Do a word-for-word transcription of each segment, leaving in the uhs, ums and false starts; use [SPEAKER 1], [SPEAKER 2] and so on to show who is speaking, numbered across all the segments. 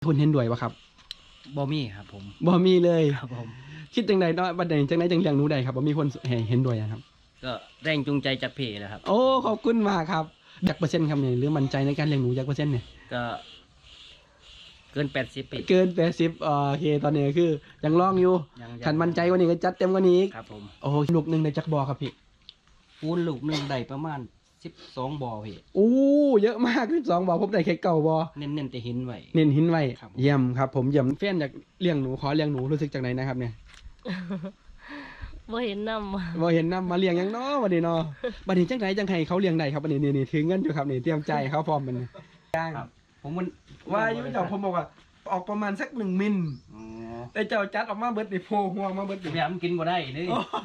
[SPEAKER 1] คุณเห็นด้วยปะครับ
[SPEAKER 2] บ่มีครับผม
[SPEAKER 1] บ่มีเลย
[SPEAKER 2] ครับผม
[SPEAKER 1] คิดจังใดเนาะบัดใดจังใดจังเลี้ยงหนูได้ครับบ่มีคนเห็นด้วยนะครับ
[SPEAKER 2] ก็แรงจูงใจจากเพจแหละครับ
[SPEAKER 1] โอ้ขอบคุณมากครับจักเปอร์เซ็นต์ครับเนี่ยหรือมั่นใจในการเลี้ยงหนูจักเปอร์เซ็นต์เนี่ย
[SPEAKER 2] ก็เกินแปดสิบปี
[SPEAKER 1] เกินแปดสิบโอเคตอนนี้คือยังลองอยู่ขันมั่นใจกว่านี้ก็จัดเต็มกว่านี้อีก
[SPEAKER 2] ครับผม
[SPEAKER 1] โอ้ลูกหนึ่งได้จักบอครับพี่
[SPEAKER 2] ปูนลูกหนึ่งได้ประมาณสิบสองบ่อพี่
[SPEAKER 1] อู้เยอะมากสิบสองบ่อผมได้แค่เก่าบ่อ
[SPEAKER 2] เน้นเน้นแต่หินไว้
[SPEAKER 1] เน้นหินไว้เยี่ยมครับผมเยี่ยมแฟนอยากเลี้ยงหนูขอเลี้ยงหนูรู้สึกจากไหนนะครับเนี่ย
[SPEAKER 3] บ่เห็นนำ
[SPEAKER 1] บ่เห็นนำมาเลี้ยงยังเนาะวันนี้เนาะวันนี้จังไหนจังไห้เขาเลี้ยงได้ครับวันนี้นี่นี่ถือเงินอยู่ครับนี่เตรียมใจเขาพร้อมมันย่าง
[SPEAKER 2] ผมมัน
[SPEAKER 1] ว่าอยู่เจ้าผมบอกว่าออกประมาณสักหนึ่งมิลแต่เจ้าจัดออกมาเบิดนี่โผล่หัวมาเบิด
[SPEAKER 2] นี่มันกินบ่ได้นี่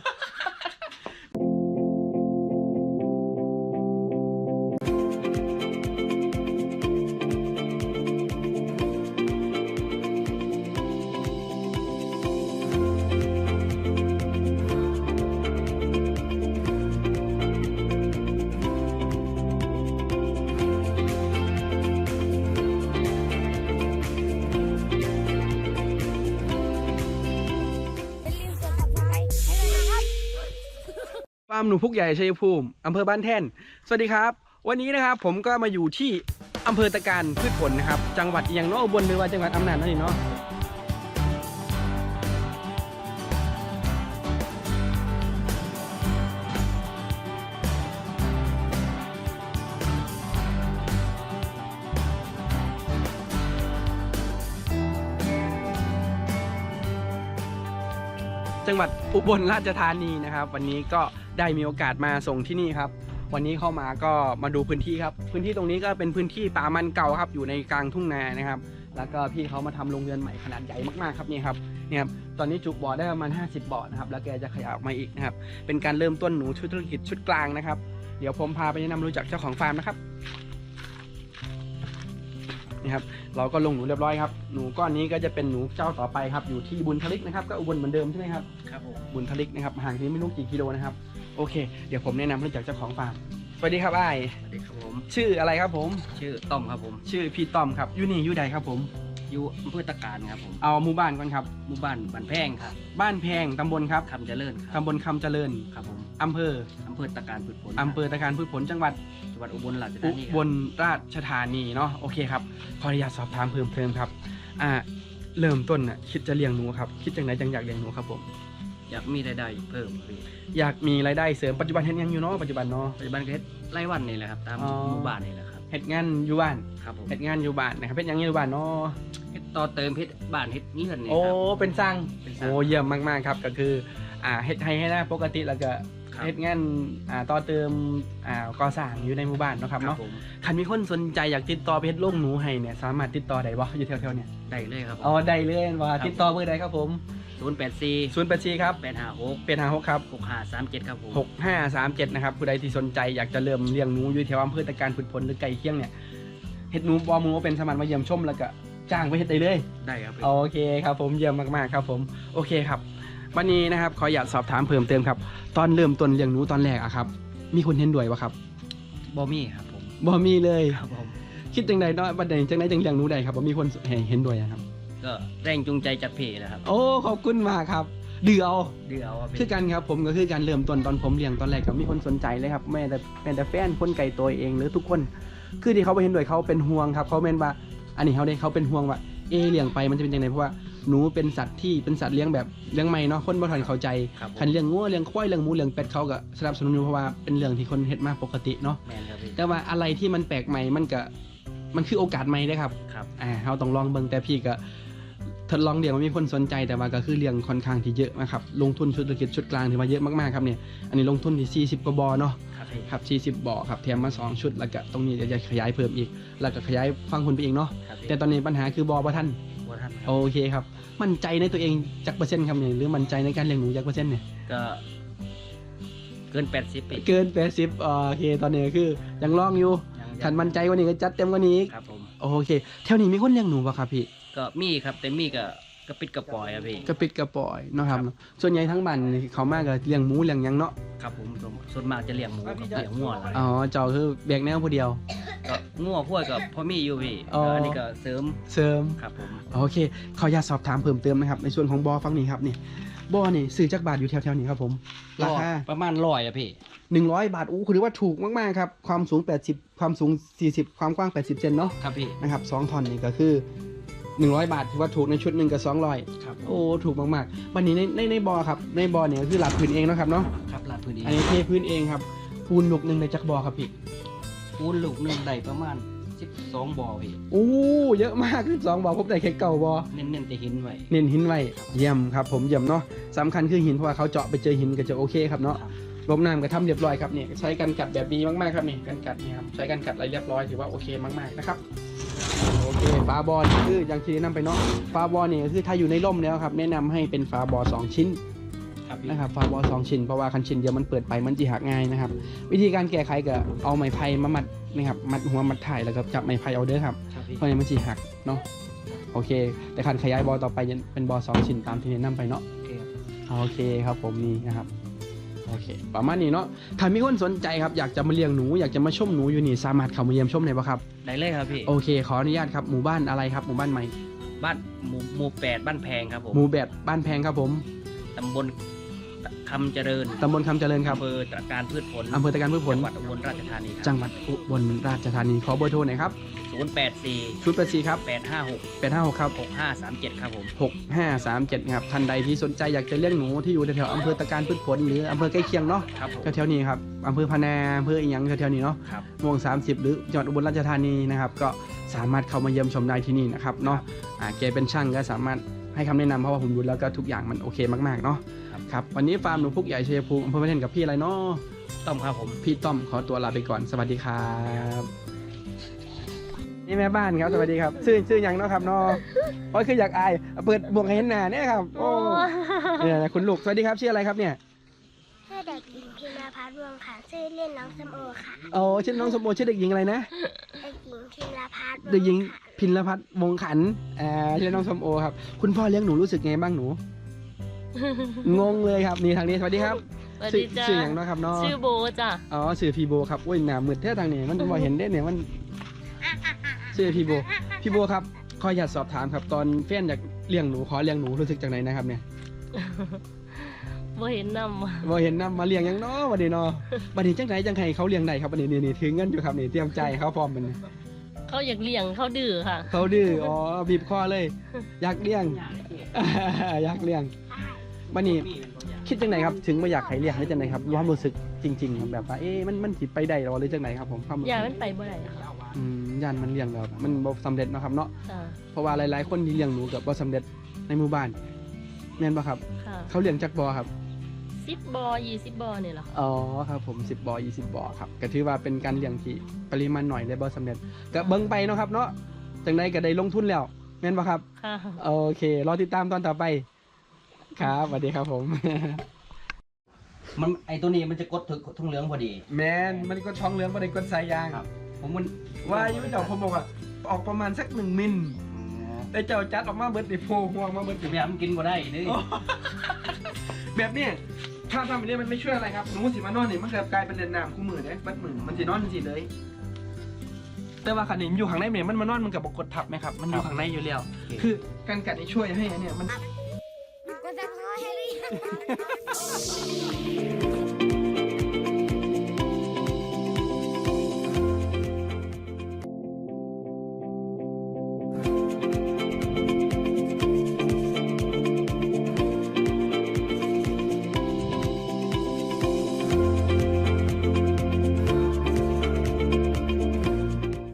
[SPEAKER 1] ฟาร์มหนูพุกใหญ่ชัยภูมิอำเภอบ้านแท่นสวัสดีครับวันนี้นะครับผมก็มาอยู่ที่อำเภอตะการพืชผลนะครับจังหวัดเอียงเนาะอุบลหรือว่าจังหวัดอำนาจนั่นเองเนาะจังหวัดอุบลราชธานีนะครับวันนี้ก็ได้มีโอกาสมาส่งที่นี่ครับวันนี้เข้ามาก็มาดูพื้นที่ครับพื้นที่ตรงนี้ก็เป็นพื้นที่ป่ามันเก่าครับอยู่ในกลางทุ่งนานะครับแล้วก็พี่เขามาทำโรงเรือนใหม่ขนาดใหญ่มากๆครับนี่ครับเนี่ยครับตอนนี้จุบ่อได้ประมาณห้าสิบบ่อนะครับแล้วแกจะขยายออกมาอีกนะครับเป็นการเริ่มต้นหนูชุดธุรกิจชุดกลางนะครับเดี๋ยวผมพาไปแนะนำรู้จักเจ้าของฟาร์มนะครับนี่ครับเราก็ลงหนูเรียบร้อยครับหนูก้อนนี้ก็จะเป็นหนูเจ้าต่อไปครับอยู่ที่บุญทลิกนะครับก็อุบลเหมือนเดิมใช่ไหมครับ
[SPEAKER 2] ครับผม
[SPEAKER 1] บุญทลิกนะครับห่างนี้ไม่รู้กี่กิโลนะครับโอเคเดี๋ยวผมแนะนำรู้จักเจ้าของฟาร์มสวัสดีครับไอ้
[SPEAKER 2] สวัสดีครับผม
[SPEAKER 1] ชื่ออะไรครับผม
[SPEAKER 2] ชื่อต้อมครับผม
[SPEAKER 1] ชื่อพี่ต้อมครับอยู่นี่อยู่ใดครับผม
[SPEAKER 2] อยู่อำเภอตะการครับผม
[SPEAKER 1] เอาหมู่บ้านก่อนครับ
[SPEAKER 2] หมู่บ้านบ้านแพงครับ
[SPEAKER 1] บ้านแพงตำบลครับ
[SPEAKER 2] คำเจริญครับ
[SPEAKER 1] ตำบลคำเจริญ
[SPEAKER 2] ครับผม
[SPEAKER 1] อำเภอ
[SPEAKER 2] อำเภอตะการพืชผล
[SPEAKER 1] อำเภอตะการพืชผลจังหวัด
[SPEAKER 2] จังหวัดอุบลราชธานี
[SPEAKER 1] อุบลราชธานีเนาะโอเคครับขออนุญาตสอบถามเพิ่มเติมครับอ่าเริ่มต้นน่ะคิดจะเลี้ยงหนูครับคิดจังไหนจังอยากเลี้ยงหนูครับผม
[SPEAKER 2] อยากมีรายได้เพิ่ม
[SPEAKER 1] อยากมีรายได้เสริมปัจจุบันเฮ็ดยังอยู่เนาะปัจจุบันเนาะ
[SPEAKER 2] ปัจจุบันก็เฮ็ดรายวันนี่แหละครับตามหมู่บ้านนี่แหละครับ
[SPEAKER 1] เฮ็ดงานอยู่บ้าน
[SPEAKER 2] ครับผม
[SPEAKER 1] เฮ็ดงานอยู่บ้านนะครับเฮ็ดยังอยู่บ้านเนาะ
[SPEAKER 2] เฮ็ดต่อเติมเฮ็ดบ้านเฮ็ดเรือนนี่
[SPEAKER 1] ครับโอ้เป็นสร้าง
[SPEAKER 2] เป็นส
[SPEAKER 1] ร้างโอ้เยี่ยมมากๆครับก็คืออ่าเฮ็ดให้ให้หน้าปกติแล้วก็เฮ็ดงานอ่าต่อเติมอ่าก่อสร้างอยู่ในหมู่บ้านเนาะครับเนาะคันมีคนสนใจอยากติดต่อไปเฮ็ดโรงหนูให้เนี่ยสามารถติดต่อได้บ่อยู่แถวๆเนี่ย
[SPEAKER 2] ได้เลยครับ
[SPEAKER 1] อ๋อได้เลยว่าติดต่อเบอร์ใดครับผม
[SPEAKER 2] ศูนย์แปดสี่
[SPEAKER 1] ศูนย์แปดสี่ครับ
[SPEAKER 2] แปดห้าหก
[SPEAKER 1] แปดห้าหกครับ
[SPEAKER 2] หกห้าสามเจ็ดครับผม
[SPEAKER 1] หกห้าสามเจ็ดนะครับผู้ใดที่สนใจอยากจะเริ่มเลี้ยงหนูอยู่แถวอำเภอตะการพืชผลหรือไก่เคียงเนี่ยเฮ็ดหนูบ่หมูเป็นสมานมาเยี่ยมชมแล้วก็จ้างไปเฮ็ดได้เลย
[SPEAKER 2] ได้ครับ
[SPEAKER 1] โอเคครับผมเยี่ยมมากๆครับผมโอเคครับวันนี้นะครับขออยากสอบถามเพิ่มเติมครับตอนเริ่มต้นเลี้ยงหนูตอนแรกอะครับมีคนเห็นด้วยปะครับ
[SPEAKER 2] บ่มีครับผม
[SPEAKER 1] บ่มีเลย
[SPEAKER 2] ครับผม
[SPEAKER 1] คิดจังใดเนาะบัดใดจังไดจังเลี้ยงหนูได้ครับบ่มีคนเห็นด้วยครับ
[SPEAKER 2] ก็แรงจูงใจจากเพจแหละครับ
[SPEAKER 1] โอ้ขอบคุณมากครับดื้อเอา
[SPEAKER 2] ดื้อเอา
[SPEAKER 1] คือกันครับผมก็คือการเริ่มต้นตอนผมเลี้ยงตอนแรกก็มีคนสนใจเลยครับแม่แต่แม่แต่แฟนคนไก่ตัวเองหรือทุกคนคือที่เขาไปเห็นด้วยเขาเป็นห่วงครับเขาเมนว่าอันนี้เขาได้เขาเป็นห่วงว่าเอเลี้ยงไปมันจะเป็นยังไงเพราะว่าหนูเป็นสัตว์ที่เป็นสัตว์เลี้ยงแบบเลี้ยงใหม่เนาะคนบ่ทันเข้าใจคันเลี้ยงงัวเลี้ยงควายเลี้ยงหมูเลี้ยงเป็ดเขาก็สนับสนุนอยู่เพราะว่าเป็นเรื่องที่คนเฮ็ดมาปกติเนาะแต่ว่าอะไรที่มันแปลกใหม่มันก็มันคือโอกาสใหม่ได้ครับอ่าเขาต้องลองเบิ่งแต่พี่ก็ทดลองเลี้ยงมันมีคนสนใจแต่ว่าก็คือเลี้ยงค่อนข้างที่เยอะนะครับลงทุนธุรกิจชุดกลางถือว่าเยอะมากๆครับเนี่ยอันนี้ลงทุนที่สี่สิบกว่าบ่อเนาะครับสี่สิบบ่อครับแถมมาสองชุดแล้วก็ตรงนี้จะขยายเพิ่มอีกแล้วก็ขยายฟังคนไปอีกเนาะแต่ตอนนี้ปัญหาคือบ่อบ่ทันโอเคครับมั่นใจในตัวเองจักเปอร์เซ็นต์ครับเนี่ยหรือมั่นใจในการเลี้ยงหนูจักเปอร์เซ็นต์เนี่ย
[SPEAKER 2] ก็เกินแปดสิบปี
[SPEAKER 1] เกินแปดสิบโอเคตอนนี้คือยังลองอยู่ขันมั่นใจกว่านี้ก็จัดเต็มกว่านี้
[SPEAKER 2] ครับผม
[SPEAKER 1] โอเคแถวนี้มีคนเลี้ยงหนูป่ะครับพี่
[SPEAKER 2] ก็มีครับแต่มีก็กระปิดกระปอยอะพี่
[SPEAKER 1] กระปิดกระปอยเนาะครับส่วนใหญ่ทั้งบ้านนี่เขามากก็เลี้ยงหมูเลี้ยงหยังเนาะ
[SPEAKER 2] ครับผมส่วนมากจะเลี้ยงหมูกับเลี้ยงงัวอะไร
[SPEAKER 1] อ๋อเจ้าคือแบกแนวผู้เดียว
[SPEAKER 2] ก็งัวพวกกับพ่อมีอยู่พี่
[SPEAKER 1] อ๋ออั
[SPEAKER 2] นนี้ก็เสริม
[SPEAKER 1] เสริม
[SPEAKER 2] ครับผม
[SPEAKER 1] โอเคขออยากสอบถามเพิ่มเติมนะครับในส่วนของบอฟังนี้ครับนี่บอนี่ซื้อจักบาทอยู่แถวๆนี้ครับผมราคา
[SPEAKER 2] ประมาณร้อยอะพี่
[SPEAKER 1] หนึ่งร้อยบาทอู้คือว่าถูกมากๆครับความสูงแปดสิบความสูงสี่สิบความกว้างแปดสิบเซนเนาะ
[SPEAKER 2] ครับพี่
[SPEAKER 1] นะครับสองท่อนนี่ก็คือหนึ่งร้อยบาทถือว่าถูกในชุดหนึ่งกับสองร้อย
[SPEAKER 2] ครับ
[SPEAKER 1] โอ้ถูกมากๆวันนี้ในในในบอครับในบอเนี่ยก็คือหลับพื้นเองเนาะครับเนาะ
[SPEAKER 2] ครับลาดพื้นเอ
[SPEAKER 1] อัน
[SPEAKER 2] ง
[SPEAKER 1] นี้เทพื้นเองครับปูนลูกหนึ่งในจักบอครับพี่
[SPEAKER 2] ปูนลูกหนึงได้ประมาณสิบสองบ่อพี่
[SPEAKER 1] อู้เยอะมากคือสองบอผมได้แค่เก่าบอ
[SPEAKER 2] เน้นๆแต่หินไว้
[SPEAKER 1] เน้นหินไว้เยี่ยมครับผมเยี่ยมเนาะสำคัญคือหินเพราะว่าเขาเจาะไปเจอหินก็จะโอเคครับเนาะ
[SPEAKER 2] ครับ
[SPEAKER 1] ลบน้ำก็ทำเรียบร้อยครับเนี่ยใช้กันกัดแบบดีมากๆครับนี่กันกัดนี่ครับใช้กันกัดอะไรเรียบร้อยถือว่าโอเคมากๆนะครับโอเคฝาบอลคืออย่างที่แนะนำไปเนาะฝาบอลเนี่ยคือถ้าอยู่ในร่มแล้วครับแนะนำให้เป็นฝาบอลสองชิ้น
[SPEAKER 2] ครับพี่
[SPEAKER 1] นะครับฝาบอลสองชิ้นเพราะว่าคันชิ้นเดียวมันเปิดไปมันจะหักง่ายนะครับวิธีการแก้ไขก็เอาไม้ไผ่มามัดนะครับมัดหัวมัดถ่ายแล้วก็จับไม้ไผ่เอาเด้อครับ
[SPEAKER 2] ครับพี่
[SPEAKER 1] เพราะงั้นมันจะหักเนาะโอเค แต่คันขยายบอลต่อไปจะเป็นบอลสองชิ้นตามที่แนะนำไปเนาะ
[SPEAKER 2] โอเคครับ
[SPEAKER 1] โอเคครับผมนี่นะครับโอเคประมาณนี้เนาะถ้ามีคนสนใจครับอยากจะมาเลี้ยงหนูอยากจะมาชมหนูอยู่นี่สามารถเข้ามาเยี่ยมชมได้ปะครับ
[SPEAKER 2] ได้เลยครับพี่
[SPEAKER 1] โอเคขออนุญาตครับหมู่บ้านอะไรครับหมู่บ้านใหม่
[SPEAKER 2] บ้านหมู่หมู่แปดบ้านแพงครับผม
[SPEAKER 1] หมู่แบบบ้านแพงครับผม
[SPEAKER 2] ตำบลคำเจริญ
[SPEAKER 1] ตำบลคำเจริญครับ
[SPEAKER 2] อำเภอตระการพืชผล
[SPEAKER 1] อำเภอตะการพืชผล
[SPEAKER 2] จังหวัดอุบลราชธานีค
[SPEAKER 1] จั
[SPEAKER 2] รับ
[SPEAKER 1] งหวัดอุบลราชธานีขอเบอร์โทรหน่อยครับ
[SPEAKER 2] ศูนย์แปดสี่
[SPEAKER 1] ชุดแปดสี่ครับ
[SPEAKER 2] แปดห้าหก
[SPEAKER 1] แปดห้าหกครับ
[SPEAKER 2] หกห้าสามเจ็ดครับผม
[SPEAKER 1] หกห้าสามเจ็ดครับท่านใดที่สนใจอยากจะเลี้ยงหนูที่อยู่แถวๆอำเภอตะการพืชผลหรืออำเภอใกล้เคียงเนาะ
[SPEAKER 2] ครับผม
[SPEAKER 1] แถวๆนี้ครับอำเภอพะนาอำเภออีหยังแถวๆนี้เนาะ
[SPEAKER 2] ครับ
[SPEAKER 1] ม่วง30 หรือจังหวัดอุบลราชธานีนะครับก็สามารถเข้ามาเยี่ยมชมได้ที่นี่นะครับเนาะอ่าแกเป็นช่างก็สามารถให้คำแนะนำเพราะว่าผมดูแล้วก็ทุกอย่างมันโอเคมากๆเนาะครับวันนี้ฟาร์มหนูพุกใหญ่ชัยภูมิอำเภอพระเทนกับพี่อะไรเนาะ
[SPEAKER 2] ต้อมครับผม
[SPEAKER 1] พี่ต้อมขอตัวลาไปก่อนสวัสดีครับนี่แม่บ้านครับสวัสดีครับชื่อชื่อหยังเนาะครับเนาะโอ้ยคืออยากอายเปิดบวกให้เห็นหน้าเนี่ยครับโอ้เนี่ยนะคุณลูกสวัสดีครับชื่ออะไรครับเนี่ย
[SPEAKER 4] ชื่อเด็กหญิงพิมราพัฒน์วงศ์ค่ะชื่อเล่นน้องสมโอค่ะ
[SPEAKER 1] โอ้ชื่อน้องสมโอชื่อเด็กหญิงอะไรนะ
[SPEAKER 4] เด็กหญิงพิมราพัฒน์
[SPEAKER 1] เด็กหญิงพินรพัฒน์วงขันอ่าชื่อน้องสมโอครับคุณพ่อเลี้ยงหนูรู้สึกไงบ้างหนู งงเลยครับนี่ทางนี้สวัสดีครับ
[SPEAKER 3] สวัส
[SPEAKER 1] ชื่อ
[SPEAKER 3] ดีจ้า
[SPEAKER 1] ชื่ออย่างเนาะครับเนาะ
[SPEAKER 3] ชื่อโบจ้ะ
[SPEAKER 1] อ๋อชื่อพีโบครับโอ้ยหน้ามืดแท้ทางนี้มันบ่เห็นได้เนี่ยมันชื่อพีโบพี่โบครับขออยากสอบถามครับตอนแฟนอยากเลี้ยงหนูขอเลี้ยงหนูรู้สึกจากไหนนะครับเนี่ย
[SPEAKER 3] บ่เห็นนำ
[SPEAKER 1] บ่เห็นนำมาเลี้ยงหยังเนาะบัดนี้เนาะบัดนี้จังไหนจังไห้เขาเลี้ยงได้ครับบัดนี้นี่ๆถึงเงินอยู่ครับนี่เตรียมใจายเขาพร้อมมัน
[SPEAKER 3] เขาอยากเลี้ยงเขาดื้อค่ะ
[SPEAKER 1] เขาดื้ออ๋อบีบคอเลย อยากเลี้ยง อยากเลี้ยงบัดนี้ คิดจังไหนครับถึงมาอยากให้เลี้ยงได้จังไหนครับความรู้สึกจริงๆครับแบบว่าเอ๊ะมันมันสิไปได้หรอหรือจังไหนครับผมความรู้
[SPEAKER 3] อ
[SPEAKER 1] สึ
[SPEAKER 3] ยาก
[SPEAKER 1] ก
[SPEAKER 3] มันไปบ่ได้ค่ะ
[SPEAKER 1] อืมย่านมันเลี้ยงแล้วมันบ่สำเร็จเนาะครับเนาะ
[SPEAKER 3] จ้ะ
[SPEAKER 1] เพราะว่าหลายๆคนที่เลี้ยงหนูกับบ่สำเร็จในหมู่บ้านแม่นบ่ครับ
[SPEAKER 3] ค่ะ
[SPEAKER 1] เขาเลี้ยงจักบ่ครับ
[SPEAKER 3] สิบบ่อยี่สิบบ่อนี่แหละค่ะ
[SPEAKER 1] อ๋อครับผมสิบบ่อยี่สิบบ่อครับก็ถือว่าเป็นการเลี้ยงที่ปริมาณหน่อยและบ่สำเร็จก็เบิ่งไปเนาะครับเนาะจังไดก็ได้ลงทุนแล้วแม่นบ่ครับ
[SPEAKER 3] ค่ะ
[SPEAKER 1] โอเครอติดตามตอนต่อไปครับสวัสดีครับผม
[SPEAKER 2] มันไอตัวนี้มันจะกดถึงทุ่งเหลืองพอดี
[SPEAKER 1] แมนมันก็ท้องเหลืองบ่ได้กดสายยาง
[SPEAKER 2] ครับ ผมมัน
[SPEAKER 1] ว่าอยู่เจ้าผมบอกว่าออกประมาณสักหนึ่งมิลแต่เจ้าจัดออกมาเบิดดิโพห่วงมาเบิดดิ
[SPEAKER 2] จะพยายามกินก็ได้นี่
[SPEAKER 1] โอ้ แบบเนี้ยถ้าทำแบบนี้มันไม่ช่วยอะไรครับหนูสิมานอนนี่มันเกิดกลายเป็นเดินน้ำคู่มือเด้บัดมือมันสินอนสิเลย แต่ว่าขันนี้อยู่ข้างในเนี่ยมันมานอนมันกับบกดทับไหมครับมันอยู่ข้างในอยู่แล้วคือการกัดนี่ช่วยให้อันเนี่ยมัน
[SPEAKER 4] ก็จะพ่อให้เรียน